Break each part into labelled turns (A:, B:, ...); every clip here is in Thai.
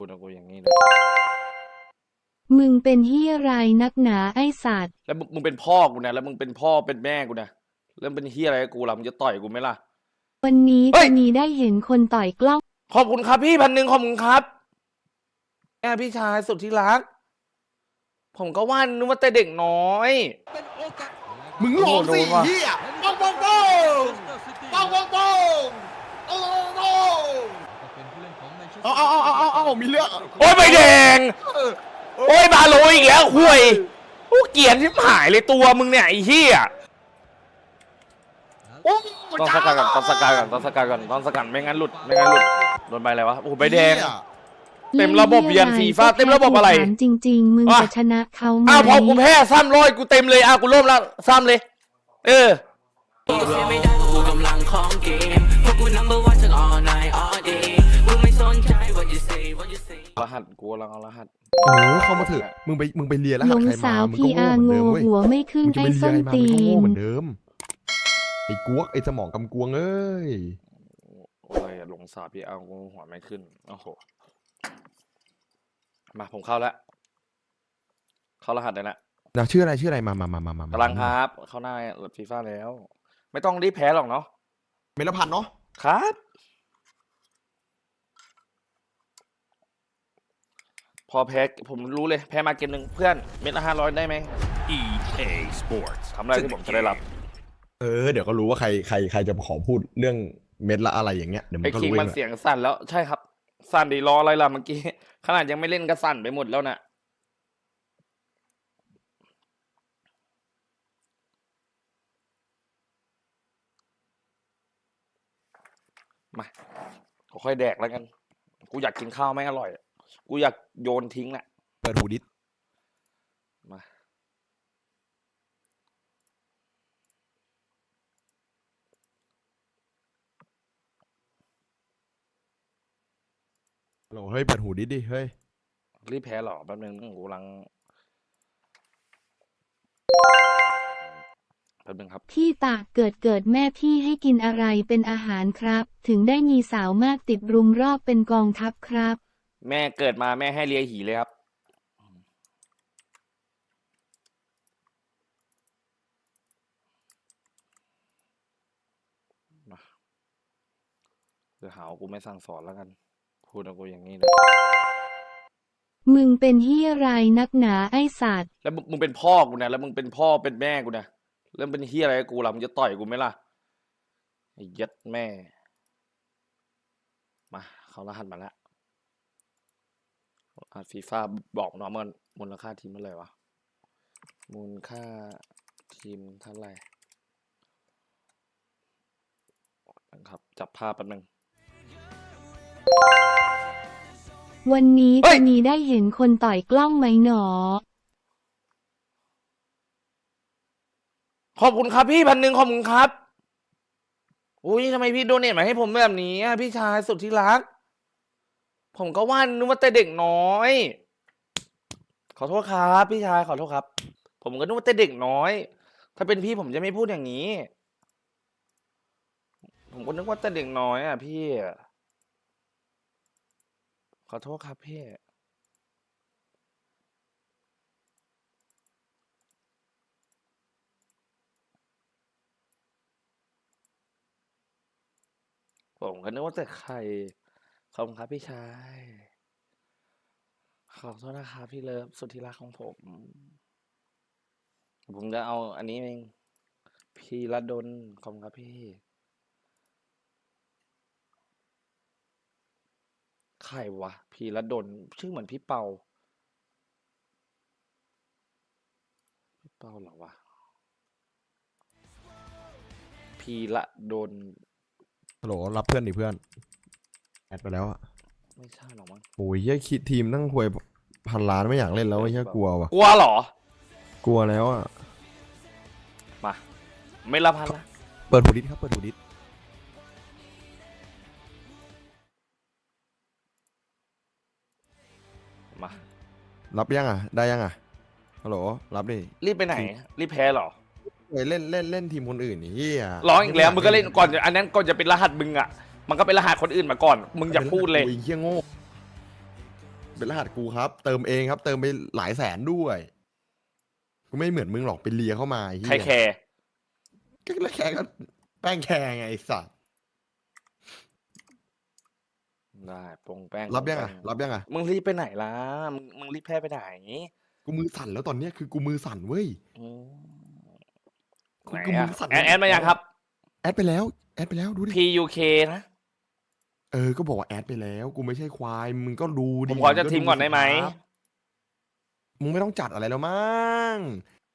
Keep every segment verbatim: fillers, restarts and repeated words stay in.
A: พูดกับกูอย่างนี้เลย
B: มึงเป็นเหี้ยไรนักหนาไอสัตว์
A: แล้วมึงเป็นพ่อกูนะแล้วมึงเป็นพ่อเป็นแม่กูนะแล้วเป็นเฮียอะไรกับกูล่ะมึงจะต่อยกูไหมล่ะ
B: วันนี้
A: เฮ้
B: จะ
A: ย
B: มีได้เห็นคนต่อยกล้อง
A: ขอบคุณครับพี่พันหนึ่งขอบคุณครับแม่พี่ชายสุดที่รัก ผมก็ว่านึกว่าแต่เด็กน้อย
C: มึงหลอกสิ
A: โอ้โหโดนว่ะ
C: เฮียปังปังปังปังปังปังโอ้โหเอาเอาเอาเอาเอามีเรื่อง
A: โอ้ยใบแดงโอ้ยบาโลอีกแล้วห่วยโอ้เกลียดที่หายเลยตัวมึงเนี่ยไอ้เหี้ย
C: โอ้
A: ต้องสกัดก่อนต้องสกัดก่อนต้องสกัดก่อนต้องสกัดไม่งั้นหลุดไม่งั้นหลุดโดนใบอะไรวะโอ้โหใบแดง เต็มระบบเวียนฟีฟ่าเต็มระบบอะไร
B: ถามจริง ๆ มึง
A: อ่ะ
B: จะชนะเขาไหม
A: อ้าวพอกูแพ้ซ้ำร้อยกูเต็มเลยอ้าวกูเริ่มแล้วซ้ำเลย เออรหัสกูกำลังเอารหัส
C: โอ้เข้ามาเถอะมึงไปมึงไปเลียแล้ว
B: หล
C: หัด
B: ง
C: ใคร
B: สาม
C: าว มึง
B: พี
C: ก็
B: อา
C: โง่
B: ร์
C: เหมือน
B: โง่
C: เดิมเว้ย
B: หัวไม่ขึ้น
C: มึงจะ
B: ไอ้
C: ไปเลีย
B: ส้น
C: ใครมา
B: ตี
C: มึงก็โง่
B: น
C: เหมือนเดิมไอ้กวกไอ้สมองกำกวงเอ้ย
A: อะไรอะหลงสาพี่เอากูหัวไม่ขึ้นโอ้โหมาผมเข้าแล้วเข้ารหัสได้แล้ว
C: นะชื่ออะไรชื่ออะไรมามามามามาก
A: ำลังครับ เข้าหน้าหลุดฟีฟ่าแล้ว ไม่ต้องรีบแพ้หรอกเนาะ
C: เมลพันธ์เนาะ
A: ครับ พอแพ้ผมรู้เลยแพ้มาเกมหนึ่งเพื่อนเม็ดละห้าร้อยได้ไหม
D: อี เอ Sports
A: ทำอะไรที่ผมจะได้รับ
C: เออเดี๋ยวก็รู้ว่าใครใครใครจะขอพูดเรื่องเม็ดละอะไรอย่างเงี้ยเดี๋ยวมั
A: ไอ้
C: นก็
A: คิง
C: รู้เอ
A: มัน
C: งแหละ
A: เสียงสั่นแล้วใช่ครับ สั่นดีรออะไรล่ะเมื่อกี้ ขนาดยังไม่เล่นก็สั่นไปหมดแล้วนะมาค่อยแดกแล้วกัน กูอยากกินข้าวไม่อร่อย กูอยากโยนทิ้งแหละ
C: เปิดหูดิส
A: มา
C: โหลเฮ้ยเปิดหูดิสดิเฮ้ย
A: รีบแพ้หรอแป๊บนึงกูกำลังแป๊บนึงครับ
B: พี่ตากเกิดเกิดแม่พี่ให้กินอะไรเป็นอาหารครับ ถึงได้มีสาวมากติดรุมรอบเป็นกองทัพครับ
A: แม่เกิดมาแม่ให้เลียหีเลยครับ มาเดี๋ยวหาว่ากูไม่สั่งสอนแล้วกัน พูดกับกูอย่างนี้เลย
B: มึงเป็นเหี้ยไรนักหนาไอสัตว์
A: แล้วมึงมึงเป็นพ่อกูนะแล้วมึงเป็นพ่อเป็นแม่กูนะแล้วเป็นเฮียอะไรกับกูล่ะมึงจะต่อยกูไหมล่ะไอ้ยัดแม่ มาเขารหัสมาแล้วรหัสฟีฟ่าบอกน้องมันมูลค่าทีมเท่าไหร่วะมูลค่าทีมเท่าไหร่นะครับจับภาพแป๊บนึง
B: วันนี้
A: เฮ้
B: จะ
A: ย
B: มีได้เห็นคนต่อยกล้องไหมหนอ
A: ขอบคุณครับพี่พันหนึ่งขอบคุณครับอุ้ยทำไมพี่โดเนทมาให้ผมแบบนี้อ่ะพี่ชายสุดที่รัก ผมก็ว่านึกว่าแต่เด็กน้อย ขอโทษครับพี่ชายขอโทษครับ ผมก็นึกว่าแต่เด็กน้อย ถ้าเป็นพี่ผมจะไม่พูดอย่างนี้ ผมก็นึกว่าแต่เด็กน้อยอ่ะพี่ขอโทษครับพี่ผมก็นึกว่าแต่ใครขอบคุณครับพี่ชายขอโทษนะครับพี่เลิฟสุดที่รักของผม ผมจะเอาอันนี้เองพี่ระดลขอบคุณครับพี่ใครวะพี่ระดลชื่อเหมือนพี่เปาพี่เปาเหรอวะพี่ระดล
C: ฮัลโหลรับเพื่อนดิเพื่อนแอดไปแล้วอะ
A: ไม่ใช่หรอกมั้ง
C: โอ้ยเหี้ยคิดทีมตั้งหวยพันล้านไม่อยากเล่นแล้วไอ้เหี้ยกลัวว่ะ
A: กลัวเหรอ
C: กลัวแล้วอะ
A: มาไม่ละพันละ
C: เปิดหูดิสครับเปิดหูดิส
A: มา
C: รับยังอ่ะได้ยังอ่ะฮัลโหลรับดิ
A: รีบไปไหน รีบแพ้เหรอ
C: เฮ้ยเล่นเล่นเล่นทีมคนอื่นนี่เฮีย
A: ร้องอีกแล้วมึงก็เล่นก่อนอันนั้นก่อนจะเป็นรหัสมึงอ่ะมันก็เป็นรหัสคนอื่นมาก่อน มึงอย่าพูดเลย
C: โอ้ยเฮียโง่เป็นรหัสกูครับ เติมเองครับ เติมไปหลายแสนด้วยกูไม่เหมือนมึงหรอกไปเลียเข้ามาไอ้เหี้ย
A: ใครแคร์
C: ก็แล้วแค่ก็แป้งแคร์ไงไอ้สัส
A: ได้ปงแป้ง
C: รับยัง
A: ป
C: อ่ะ
A: แป้
C: รับยังอ่ะ
A: มึงรีบไปไหนล่ะมึงมึงรีบแพ้ไปไหน
C: กูมือสั่นแล้วตอนเนี้ยคือกูมือสั่นเว้ย
A: อืม
C: กู
A: ไหน
C: กู
A: อะ
C: มือสั่น
A: แอดแอดมายังครับ
C: แอดไปแล้วแอดไปแล้วดูดิ
A: P U K นะ
C: เออก็บอกว่าแอดไปแล้วกูไม่ใช่ควายมึงก็ดูดิ
A: ผมขอจะ
C: ง
A: ทีมก่อนได้ไหม
C: สิครับมึงไม่ต้องจัดอะไรแล้วมั้ง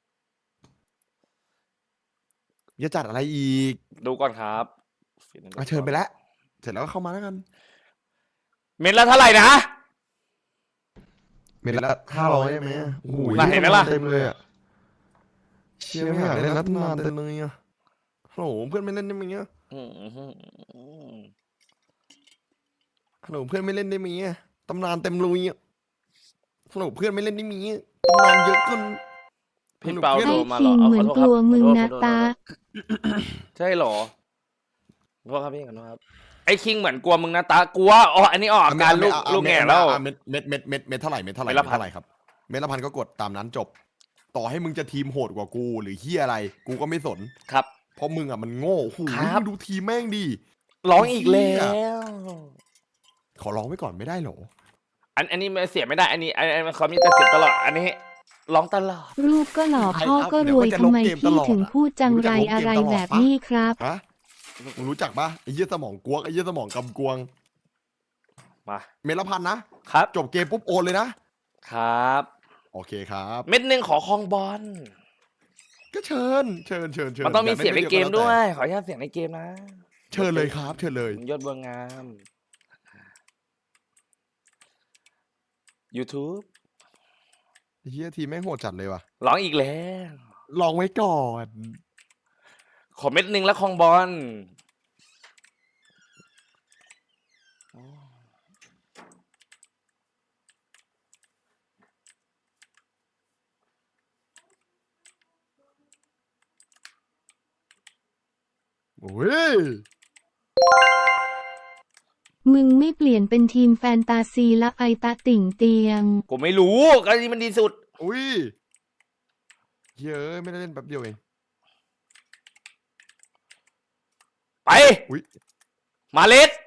C: จะจัดอะไรอีก
A: ดูก่อนครับ
C: อ่ะเชิญไปแล้ว เสร็จแล้วก็เข้ามาแล้วกัน
A: เม็ดละเท่าไหร่นะ
C: เม็ดละห้าร้อยได้ไหมโอ้โห
A: น่ะเห็นไหมล่ะ
C: เต็มเลยอ่ะเชี่ยไม่อยากเล่นนัดนานเต็มเลยอ่ะฮัลโหลเพื่อนไม่เล่นได้ไหมอ่ะ
A: อืมอืมอืม
C: ฮัลโหลเพื่อนไม่เล่นได้ไหมอ่ะตำนานเต็มเลยอ่ะฮัลโหลเพื่อนไม่เล่นได้ไหมอ่ะตำนานเยอะเกิน
A: พี่เปา
C: ให้
A: โทร
B: ให้
A: มา
B: คิ
A: เหรอง เอา
B: เหมื
A: ข
B: อ
A: อน โทษ
B: ก
A: ครับ
B: ลัวมึง
A: ขอโทษ
B: นะ
A: ขอโทษ
B: ตา
A: ใช่เหรอขอโทษครับพี่ขอโทษครับไอ้คิงเหมือนกลัวมึงนะตากลัวอ๋ออันนี้ออกอาการลูก
C: อ่ะ
A: ลูก
C: เม็ด
A: แง่แล้ว
C: อ่ะเม็ดเม็ดเม็ดเม็ดเม็ดเท่าไหร่เม็ดเท่าไหร่
A: เม็ดละพัน
C: เท่าไหร่ครับเม็ดละพันก็กดตามนั้นจบ ต่อให้มึงจะทีมโหดกว่ากูหรือเฮียอะไร กูก็ไม่สน
A: ครับ
C: เพราะมึงอ่ะมันโง่โอ้โห
A: ครับ
C: มึงดูทีมแม่งดี
A: ร้องอีกแล้ว
C: ขอร้องไว้ก่อนไม่ได้เหรอ
A: อันอันนี้เสียไม่ได้ อันนี้อันอันเขามีแต่เสียตลอด อันนี้ร้องตลอด
B: รูปก็หล่อพ่อก็รวยทำไมพี่ถึงพูดจังไรอะไรแบบนี้ครับ
C: ฮะมึงรู้จักปะไอ้เหี้ยสมองกวกไอ้เหี้ยสมองกำกวง
A: มา
C: เม็ดละพันนะครับ จบเกมปุ๊บโอนเลยนะครับ โอเคครับ
A: เม็ดหนึ่งขอคลองบอล
C: ก็เชิญเชิญเชิญเชิญ
A: มันต้องมี
C: ยา
A: เสียงใน
C: ล่
A: เกม
C: ก็แล้
A: ด้ว
C: แต่
A: ย ขออนุญาตเสียงในเกมนะ
C: เชิญเลยครับ เชิญเลย
A: ยอดบัวงาม YouTube
C: ไอ้เหี้ยทีมแม่งโหดจัดเลยว่ะ
A: ร้องอีกแล้ว
C: ลองไว้ก่อน
A: ขอเม็ดหนึ่งแล้วคลองบอล
C: โอ้ย
B: มึงไม่เปลี่ยนเป็นทีมแฟนตาซีละไอตาติ่งเตียง
A: กูไม่รู้ก็นี่มันดีสุด
C: อุ้ยเฮ้ยไม่ได้เล่นแป๊บเดียวเอง
A: ไป
C: อุ้ย
A: มาเล็ด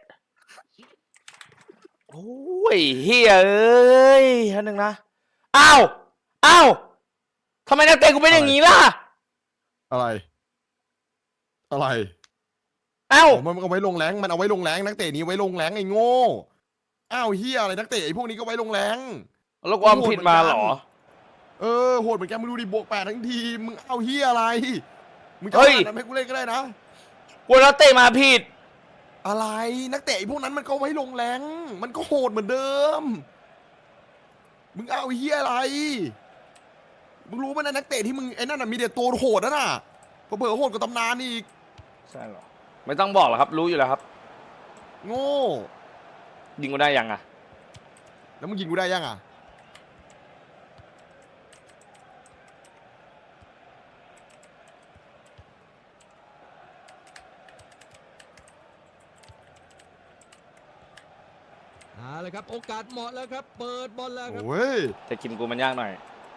A: โอ้ยเฮียเอ้ยอันหนึ่งนะ อ้าว อ้าวทำไมนักเตะกูเป็นอย่างนี้ล่ะ
C: อะไร อะไร
A: อ้าว
C: อ๋อมันเอาไว้ลงแรงมันเอาไว้ลงแรงนักเตะนี้ไว้ลงแรงไอ้โง่อ้าวเฮียอะไรนักเตะไอ้พวกนี้ก็ไว้ลงแรง
A: แล้วความผิดมาเหรอ
C: เออโหดเหมือนกันมึงดูดิบวกแปดทั้งทีมึงเอาเฮียอะไรมึงจะ
A: เฮ้ย
C: ขนาดนั้นให้กูเล่นก็ได้นะ
A: กูนักเตะมาผิด
C: อะไรนักเตะไอ้พวกนั้นมันก็ไว้ลงแรงมันก็โหดเหมือนเดิม มึงเอาเฮียอะไร มึงรู้ไหมนะนักเตะที่มึงไอ้นั่นน่ะมีแต่ตัวโหดนะน่ะเผื่อๆโหดกว่าตำนานอีก
A: ใช่เหรอ ไม่ต้องบอกหรอกครับ รู้อยู่แล้วครับ
C: โง่
A: ยิงกูได้ยังอ่ะ
C: แล้วมึงยิงกูได้ยังอ่ะ
E: เอาเลยครับโอกาสเหมาะแล้วครับเปิดบอลแล้วครับ
C: โอ้ย
A: แต่กินกูมันยากหน่อย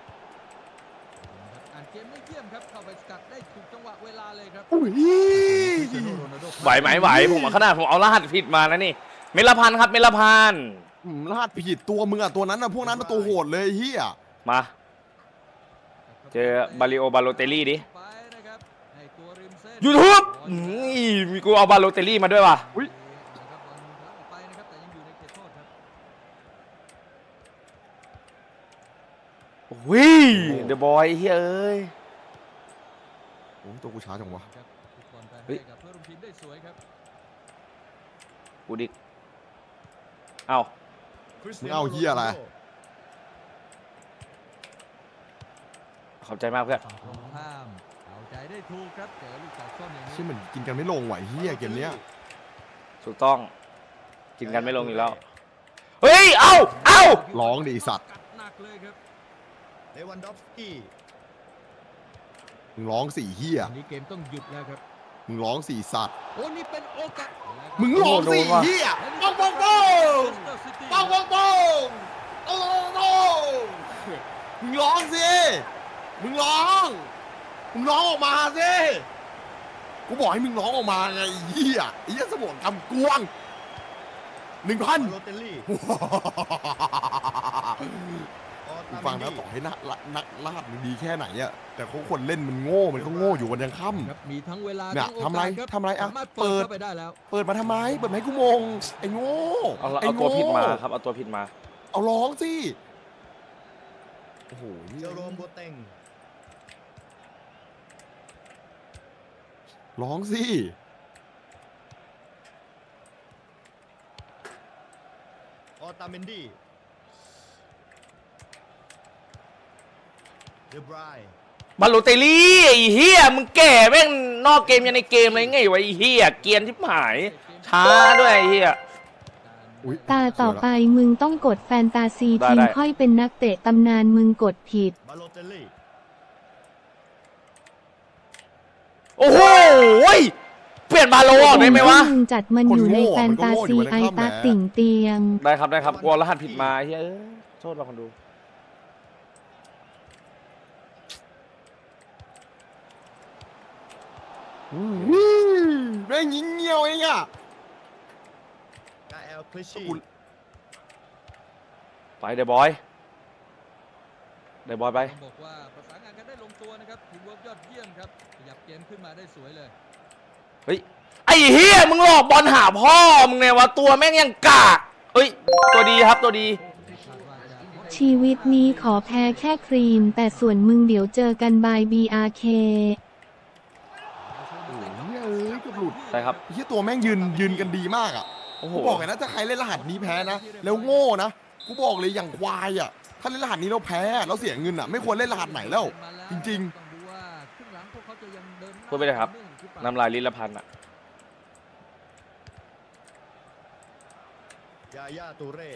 E: อ่านเกมได้เยี่ยมครับเข้าไปสกัดได้ถูกจังหวะเวลาเลยครับ
C: อุ้ย
A: ไหวไหมไหว ผมเอาขนาดผมเอารหัสผิดมาแล้วนี่ เมลพันธ์ครับ เมลพันธ์
C: อืมลาดผิดตัวมึงอ่ะตัวนั้นอ่ะพวกนั้นมันตัวโหดเลยเฮีย
A: มา เจอบาริโอบาโลเตลลี่ดิ
E: ไปนะครับให้ตัวริมเส้น
A: YouTube อืมมีกูเอาบาโลเตลลี่มาด้วยว่ะ
C: อุ้ย
E: นะครับบอลทะลุออกไปนะครับแต่ยังอยู่ในเขตโทษครับ
A: วิเดอะบอยเฮ้ยเอ้ย
C: โอ้ยตัวกูช้าจังวะ
E: ครับทุกคนไป
A: เฮ้ย
E: ให้กับเพื่อนร่วมทีมได้สวยครับ
A: กูดิกเอ้า
C: มึงเอาเฮียอะไร
A: ขอบใจมากเพื่อน
E: ตรงข้ามเอาใจได้ถูกครับเจอลูกตัดส้นอย่างนี้
C: ใช่เหมือนกินกันไม่ลงไหวเฮียเกมเนี้ย
A: ถูกต้อง กินกันไม่ลงอีกแล้ว เฮ้ย เอ้า เอ้า
C: ร้องดิไอ้สัตว์
E: กัดหนักเลยครับ
F: เลวันดอฟสกี้
C: มึงร้องสี่เฮีย
E: อันนี้เกมต้องหยุดแล้วครับ
C: มึงร้องสี่สัตว์
E: โอ้นี่เป็นโอกาส
C: มึงร้องสี่เฮีย
E: ป้องป้องป้อง
C: ป้องป้องป้องโอ้มึงร้อง มึงร้องออกมาสิ กูบอกให้มึงร้องออกมาไงไอ้เหี้ยไอ้เหี้ยสมองกำกวงหนึ่งพัน
F: บาโลเตลลี่ออ
C: กู
F: ตา
C: ฟัง
F: เม
C: นะ
F: น
C: ต่อ
F: ดี้
C: ให้นักนักลาดมันดีแค่ไหนอะแต่เขาคนเล่นมันโง่มันก็โง่อยู่วันยังค่
E: ครับมีทั้งเวลา
C: เนี่ย
E: ทั้งโอกาส
C: ทำไร
E: ครับ
C: ทำไรอะ
E: สามารถ
C: เปิ
E: เปิ
C: ด
E: ดเข้าไปได้แล้ว
C: ำเปิดมาทำไมเปิดมาให้กูมงไอ้โง่
A: เอา
C: ไอ้
A: เอาตัว
C: โง่
A: ผิดมาครับเอาตัวผิดมา
C: เอาร้องสิโอ้โห
F: เจอโรมโบเต็ง
C: ร้องสิ
F: ออตาเมนดี้เดบราย
A: บาโลเตลลี่ไอ้เฮียมึงแก่แม่งนอกเกมยังในเกมเลยไงวะไอ้เฮียเกรียนที่หายช้าด้วยไอ้เฮีย
C: อุ๊ย
B: ตาต่อไปมึงต้องกดแฟนตาซี
A: ได้
B: ทีม
A: ได้
B: ค่อยเป็นนักเตะตำนานมึงกดผิด
F: บาโลเตลลี่
A: โอ้โหยเปลี่ยนบาโลออกได้ไหมวะ
B: มึงจัดมันอยู่ในแฟนตาซีไอตาติ่งเตียง
A: ได้ครับได้ครับกลัวรหัสผิดมาไอ้เฮียเอ้ยโทษเราคนดู
C: อืมแม่งยิงเงี้ยวเองอะ
F: กาเอลคลิชชี่
A: ไปเดบอยเดบอยไป
E: ต้องบอกว่าประสานงานกันได้ลงตัวนะครับทีมเวิร์กยอดเยี่ยมครับขยับเกมขึ้นมาได้สวยเลย
A: เฮ้ยไอ้เฮียมึงหลอกบอลหาพ่อมึงเนี่ยวะตัวแม่งยังกากเฮ้ยตัวดีครับตัวดี
E: คาดว่าจะ
B: ชีวิตนี้ขอแพ้แค่ครีม แต่ส่วนมึงเดี๋ยวเจอกันบาย บี อาร์ เค
C: โอ้โหเอ้ยเกือบหลุด
A: ใช่ครับ
C: ไอ้เหี้ยตัวแม่งยืนยืนกันดีมากอ่ะ
A: โอ้โห
C: กูบอกเลยนะถ้าใครเล่นรหัสนี้แพ้นะแล้วโง่นะกูบอกเลยอย่างควายอ่ะถ้าเล่นรหัสนี้เราแพ้เราเสียเงินอ่ะไม่ควรเล่นรหัสไหนแล้ว จริง
E: ต้องดูว่าครึ่งหลังพวกเขาจะยังเดินหน้า
A: พูดไปเลยครับ
E: ต่อเนื่องหรือเปล่า
A: น้ำลายลิลพันธ์อะ
F: ยาย่าตูเร่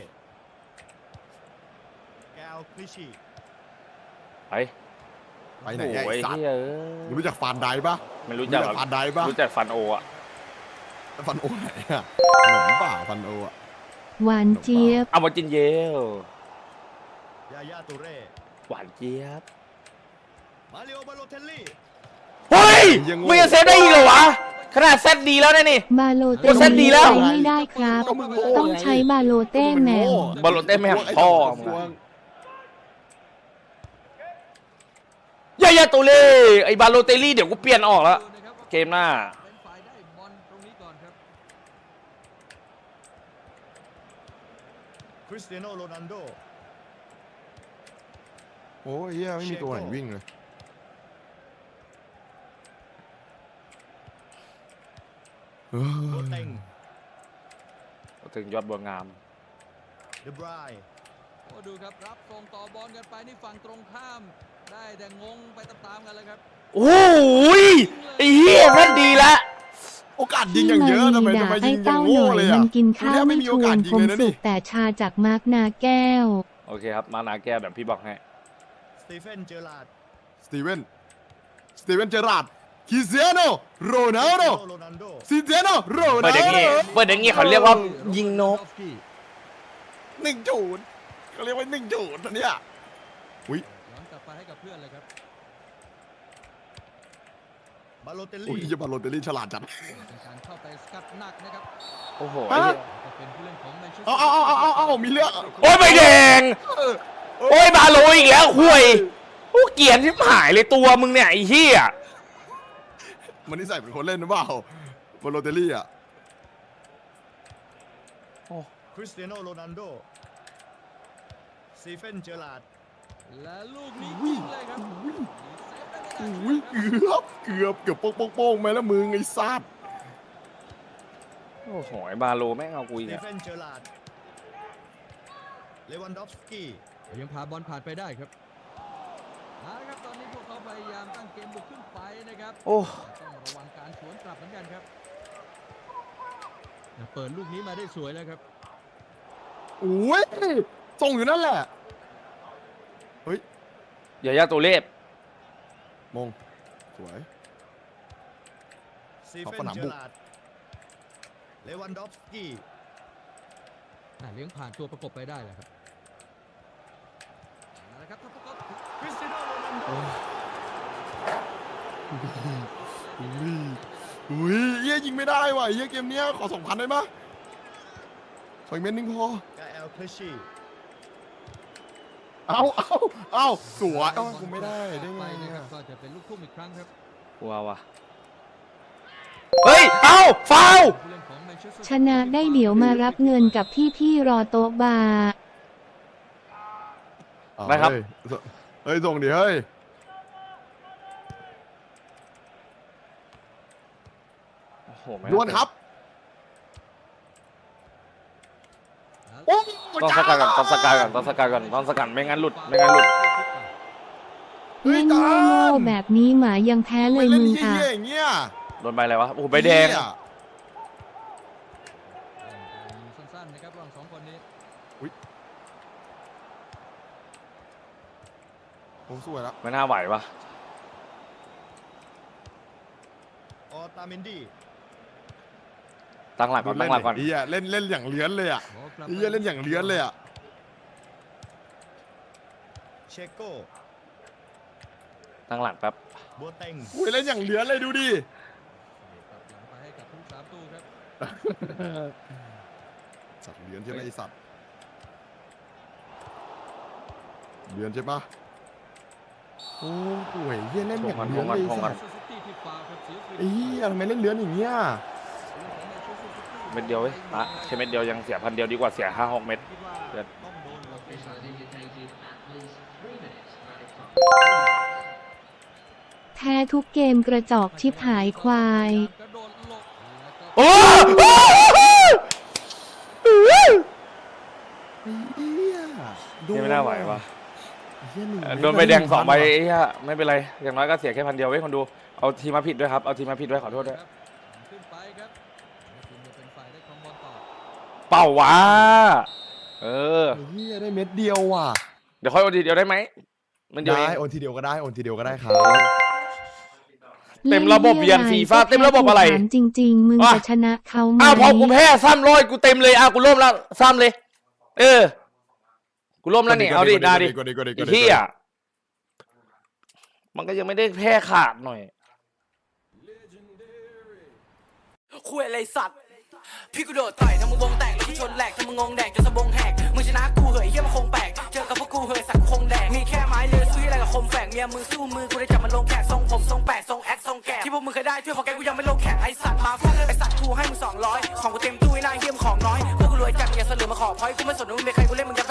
F: แกลคลิชชี่
A: ไป
C: ไปไหน
A: โอ้
C: ไอ้
A: ย
C: สัต
A: เฮี
C: ว์
A: ยเอ้ย
C: มึงรู้จักฟานไดปะ
A: ไม่รู้จักหรอก
C: ฟานไดปะ
A: รู้จักฟันโออะ
C: ฟันโอไหนอ่ะขนมเปล่าฟันโออ่ะ
B: หวานเจี๊ยบ
A: เอามาจินเยล
F: ยาย่าตูเร่
A: หวานเจี๊ยบ
F: มาริโอบาโลเทลลี่
A: เฮ้ยมึงจะเซฟได้อีกเหรอวะขนาดเซตดีแล้วนะนี่
B: บาโลเต้
A: โอ้เส้นดีแล้ว
B: ใช้ไม่ได้ครับ
C: ก็มึงโง่
B: ต้องใช้บาโลเต้แหมว
A: บอลโลเต้ไม่หักพ่อมึงอะยายาตัวเล่ไอ้บาโลเตลลี่เดี๋ยวกูเปลี่ยนออกแล้ว
E: ดูนะครับว่า
A: เกมหน้า
E: เป็นฝ่ายได้บอลตรงนี้ก่อนครับ
F: คริสเตียโนโรนัลโด
C: โอ้ยเฮียไม่มีตัวไหนวิ่งเลยเอ
F: โบ
C: อ
F: เต็ง
A: ถึงยอดบัวงาม
F: เดบราย
E: โอ้ดูครับรับส่งต่อบอลกันไปนี่ฝั่งตรงข้าม ได้แต่งงไปตามๆกันเลยครับ
A: โอ้ยไอ้เหี้ยแม่นดีละ
C: โอกาสยิงอย่างเยอะทำไม
B: ด่า
C: ทำไม
B: ไอ้
C: ยิงอย่า
B: เต้าง ห
C: โง่
B: น่อย
C: เลย
B: มั
C: อ่ะ
B: นกินข้าวไม่ชวนผมสุกแต่ชาจากมาร์กนาแก้ว
A: โอเคครับมานาแก้วแบบพี่บอกให้
F: สตีเฟนเจอราร์ด
C: สตีเวนสตีเวนเจอราร์ดคริสเตียโนโรนัลโด
F: โรนัลโด
C: คริสเตียโนโร
A: เปิ
C: นั
A: ด
C: ล
A: อย่าง
C: โด
A: งี้เปิดอย่างงี้เขาเรียกว่ายิงนก
C: หนึ่งจูดเขาเรียกว่าหนึ่งจูดอันเนี้ยอุ้ย
E: ย้อนกลับไปให้กับเพื่อนเลยครับ
F: บาโลเตล
C: อุ้ย
F: ลี่
C: จะบอลโรเตอรี่ฉลาดจัด
E: เป็นการเข้าไปสกัดหนักนะครับ
A: โอ้โหไอ้เหี้ย
E: จะเป็นผู้เล่นของแมนเชสเตอ
C: เอา
E: ร์
C: เอาเอาเอาเอาเอามีเรื่อง
A: โอ้ยใบแดง
C: เออ
A: โอ้ยบาโลอีกแล้วห่วยโอ้เกลียนที่หายเลยตัวมึงเนี่ยไอ้เหี้ย
C: มันนี่ใส่เป็นคนเล่นหรือเปล่าบอลโรเตอรี่อ่ะ
F: คริสเตียโนโรนัลโดสตีเฟนเจอราร์ด
E: และลูกนี้ยิงเลยครับ
C: อุ้ยเกือบเกือบเกือบโป้งโป้งโป้งไหมแล้วมึงไอ้ซัด
A: โอ้โหไอ้บาโลแม่งเอากู
F: ส
A: อีก
F: ตี
A: อะ
F: เฟนเจอราร์ดเลวันดอฟสกี้
E: ยังพาบอลผ่านไปได้ครับเอาละครับตอนนี้พวกเขาพยายามตั้งเกมบุกขึ้นไปนะครับ
A: โอ้
E: แต่ต้องระวังการสวนกลับเหมือนกันครับเปิดลูกนี้มาได้สวยแล้วครับ
C: อุ้ยส่งอยู่นั่นแหละเฮ้ย
A: ยายาตัวเล็บ
C: มงสวย
F: สตี
C: ขอบ
F: เฟ
C: ส
F: น
C: นาม
F: เจ
C: บุ
F: อก ราร์ดเลวันดอฟสกี้
E: อ่ะเลี้ยงผ่านตัวประกบไปได้แหละครับเอาละครับถ้าพวกเขา
F: คริสเตียโนโรนัลโด
C: อุ้ยอุ้ยเฮียยิงไม่ได้ว่ะเฮียเกมเนี้ยขอสองพันได้ปะขออีกเม็ดนึงพอก
F: าเอลเพชชี
C: เอาเอาเอาสวยเอ้ากูไม่ได้ได้ไง
E: ไป
C: เนี่
E: นะ
C: ย
E: ครับก็จะเป็นลูกทุ่มอีกครั้งครับ
A: กลัวว่ะเฮ้ยเอ้าฟาว
E: ผู้เล่นของ Manchester
B: ชนะได้เดี๋ยวมารับเงินกับพี่พี่ๆรอโต๊ะบาร์
C: เอา
A: นะครับ
C: เฮ้ยเฮ้ยส่งดิเฮ้ย
A: โอ้โหไม่
C: ดวลครับโอ้
A: ต้องสกัดก่อนต้องสกัดก่อนต้องสกัดก่อนต้องสกัดไม่งั้นหลุดไม่งั้นหลุด
B: เล่นโง่ๆแบบนี้หมายังแพ้เล
C: ไม่
B: ย
C: เล่น
B: มึง
C: เฮี้
B: อ่ะ
C: ยๆอย่างเงี้ย
A: โดนใบอะไรวะโอ้โหใบแดง
C: เหี้ย
E: สั้นๆนะครับระหว่างสองคนนี้
C: ผมสวยแล้ว
A: ไม่น่าไหววะ
F: ออตาเมนดี้
A: ตั้งหลักก่อนตั้งหลักก่อน
C: เฮียเล่นเล่นอย่างเลื้อนเลยอ่ะ
E: โอ้กลับ
C: เฮียเล่นอย่างเลื้อนเลยอ่ะ
F: เชโก้
A: ตั้งหลักแป๊บ
F: บัวเต็ง
C: อุ้ยเล่นอย่างเลื้อนเลยดูดิ
E: กลับหลังไปให้กับผู้สามตู้ครับ
C: สัตว์เลื้อนใช่ไหมไอสัตว์เลื้อนใช่ปะโอ้โหเฮียเล่นอย่างเลื้อนเลยไอ้สัตว์
E: Manchester City ที่ฟาวล์ครับเสียฟรี
C: ไอ้เฮียทำไมเล่นเลื้อนอย่างเงี้ย
A: เม็ดเดียวเว้ยอ่ะแค่เม็ดเดียวยังเสียพันเดียวดีกว่าเสียห้าหกเม็ด เดือน
F: ต้องโดนเราไปหา
B: แพ้ทุกเกมกระจอกชิบหายควาย
E: กระโดดหลบแล้วก็
A: โอ้โห
C: เฮีย
A: นี่ไม่น่าไหววะ
C: เหี้ยหนึ่ง
A: โดนใบแดงสองใบไอ้เหี้ยไม่เป็นไรอย่างน้อยก็เสียแค่พันเดียวเว้ยคนดูเอาทีมมาผิดด้วยครับเอาทีมมาผิดด้วยขอโทษด้วย
E: ขึ้นไปครับทีมจะเป็นฝ่ายได้ครองบอลต่อ
A: เป่าวะเออ
C: ไอ้เฮียได้เม็ดเดียวว่ะ
A: เดี๋ยวค่อยโอนทีเดียวได้ไหมมันเดียวเอ
C: ได้
A: ง
C: โอนทีเดียวก็ได้โอนทีเดียวก็ได้ครับ
A: เต็มระบบเวียน FIFA เต็มระบบอะไร
B: ถามจริง ๆ มึง
A: อ่ะ
B: จะชนะเขาไหม
A: อ้าวพอกูแพ้ซ้ำร้อยกูเต็มเลยอ้าวกูร่วมแล้วซ้ำเลย เออ กูร่วมแล้วนี่เอาดิได้ดิ
C: กดดิกดดิก
A: ไอ้
C: ดดิ
A: เหี้ยมันก็ยังไม่ได้แพ้ขาดหน่อย
G: คุยอะไรสัตว์ พี่กูโดดต่อยทำมึงวงแตกแล้วกูชนแหลกทำมึงงงแดกจนสะบงแหกมึงชนะกูเหยเฮียมันคงแปลกเจอกับพวกกูเหยสักคงแดกมีแค่ไม้เลือซื้ออะไรกับคมแฝกเมียมึงสู้มือกูได้จับมันลงแขกทรงผมทรงแปดทรงแอคทรงแกะที่พวกมึงเคยได้ช่วยพอแกกูยังไม่ลงแขกไอสัตว์มาฟังไอสัตว์กูให้มึงสองร้อยของกูเต็มตู้ไอ้นายเฮียมของน้อยพวกกูรวยจัดอย่าเสลือมาขอพอยกูไม่สนว่ามึงเป็นใครกูเล่นมึงยับ